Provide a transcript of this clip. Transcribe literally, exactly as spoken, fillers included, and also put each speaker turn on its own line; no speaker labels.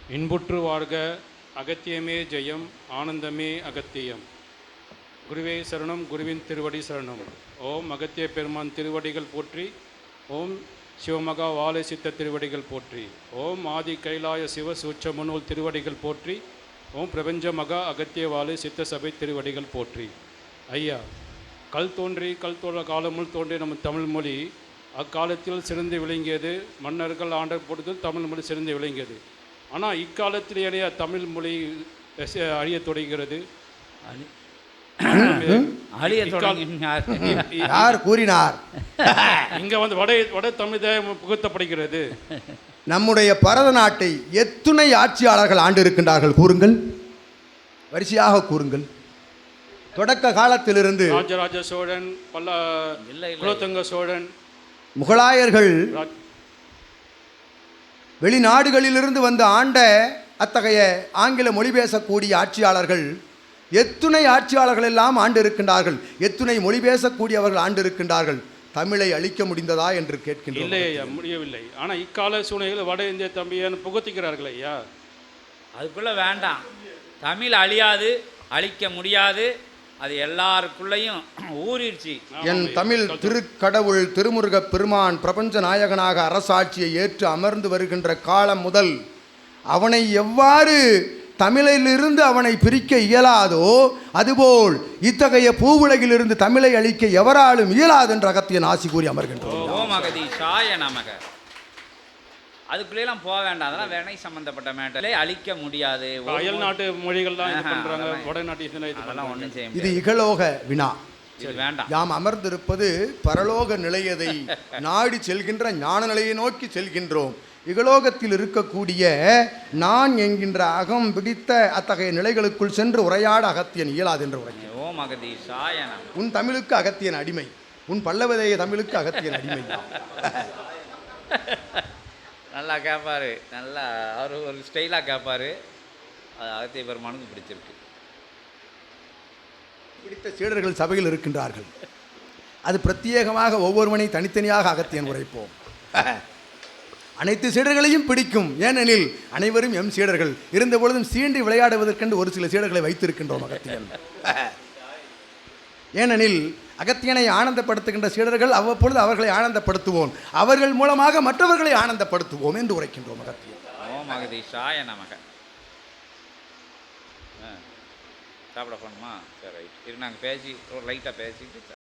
இன்புற்று வாழ்க அகத்தியமே ஜெயம் ஆனந்தமே அகத்தியம். குருவே சரணம், குருவின் திருவடி சரணம். ஓம் அகத்திய பெருமான் திருவடிகள் போற்றி. ஓம் சிவமகா வாழை சித்த திருவடிகள் போற்றி. ஓம் ஆதி கைலாய சிவ சூட்ச முன்னூல் திருவடிகள் போற்றி. ஓம் பிரபஞ்ச மகா அகத்திய வாழை சித்த சபை திருவடிகள் போற்றி. ஐயா, கல் தோன்றி கல் தோன்ற காலமுள் தோன்றிய நம்ம தமிழ் மொழி அக்காலத்தில் சிறந்து விளங்கியது. மன்னர்கள் ஆண்ட பொழுது தமிழ் மொழி சிறந்து விளங்கியது. ஆனால் இக்காலத்திலேயே தமிழ் மொழி அழிய தொடங்குகிறது.
யார் கூறினார்?
இங்க வந்து வட வட தமிழ் புகுத்தப்படுகிறது.
நம்முடைய பரத நாட்டை எத்துணை ஆட்சியாளர்கள் ஆண்டு இருக்கின்றார்கள் கூறுங்கள், வரிசையாக கூறுங்கள். தொடக்க காலத்திலிருந்து
ராஜராஜ சோழன், பல்ல குலோத்துங்க சோழன்,
முகலாயர்கள், வெளிநாடுகளிலிருந்து வந்து ஆண்ட அத்தகைய ஆங்கில மொழி பேசக்கூடிய ஆட்சியாளர்கள் எத்துணை ஆட்சியாளர்கள் எல்லாம் ஆண்டு இருக்கின்றார்கள். எத்துணை மொழி பேசக்கூடியவர்கள் ஆண்டு இருக்கின்றார்கள். தமிழை அழிக்க முடிந்ததா என்று கேட்கின்றோம்.
இல்லை ஐயா, முடியவில்லை. ஆனால் இக்கால சூழ்நிலையில் வட இந்திய தம்பியை புகுத்திக்கிறார்கள் ஐயா.
அதுக்குள்ளே வேண்டாம். தமிழ் அழியாது, அழிக்க முடியாது. அது எல்லாருக்குள்ளேயும் ஊறிடுச்சு.
என் தமிழ் திருக்கடவுள் திருமுருக பெருமான் பிரபஞ்ச நாயகனாக அரசாட்சியை ஏற்று அமர்ந்து வருகின்ற காலம் முதல் அவனை எவ்வாறு தமிழிலிருந்து அவனை பிரிக்க இயலாதோ அதுபோல் இத்தகைய பூவுலகிலிருந்து தமிழை அழிக்க எவராலும் இயலாது என்ற அகத்தியன் ஆசி கூறி அமர்கின்றோம்.
ஓம் அகதீஷாய நமக. அதுக்குள்ளேலாம் போக வேண்டாம். அதெல்லாம் வினை சம்பந்தப்பட்ட மேட்டரை அழிக்க முடியாது.
அயல் நாட்டு மொழிகள் தான் இது பண்றாங்க. வடநாட்டு
இதெல்லாம் ஒன்றும் செய்ய
இது இகலோக வினா.
வேண்டாம்.
யாம் அமர்ந்திருப்பது பரலோக நிலையதை நாடி செல்கின்ற ஞான நிலையை நோக்கி செல்கின்றோம். இகலோகத்தில் இருக்கக்கூடிய நான் என்கின்ற அகம் பிடித்த அத்தகைய நிலைகளுக்குள் சென்று உரையாட அகத்தியன் இயலாது என்று உரைக்கிறேன்.
ஓம் அகதீஷாய நமக.
உன் தமிழுக்கு அகத்தியன் அடிமை, உன் பல்லவதேய தமிழுக்கு அகத்தியன் அடிமை.
நல்லா கேட்பாரு, நல்லா அவர் ஒரு ஸ்டைலாக கேட்பாரு. அது அகத்திய பெருமானுக்கு பிடிச்சிருக்கு.
பிடித்த சீடர்கள் சபையில் இருக்கின்றார்கள். அது பிரத்யேகமாக ஒவ்வொருவனை தனித்தனியாக அகத்தியன் உரைப்போம். அனைத்து சீடர்களையும் பிடிக்கும். ஏனெனில் அனைவரும் எம் சீடர்கள் இருந்த பொழுதும் சீண்டி விளையாடுவதற்கென்று ஒரு சில சீடர்களை வைத்திருக்கின்றோம் அகத்தியன். ஏனெனில் அகத்தியனை ஆனந்தப்படுத்துகின்ற சீடர்கள் அவ்வப்பொழுது அவர்களை ஆனந்தப்படுத்துவோம், அவர்கள் மூலமாக மற்றவர்களை ஆனந்தப்படுத்துவோம் என்று உரைக்கின்றோம் அகத்தியன்.
ஓம் அகதீஷாய நமக. சாப்பிட போகணுமா? சரி, ரைட். இரு, நாங்கள் பேசி ஒரு லைட்டாக பேசிட்டு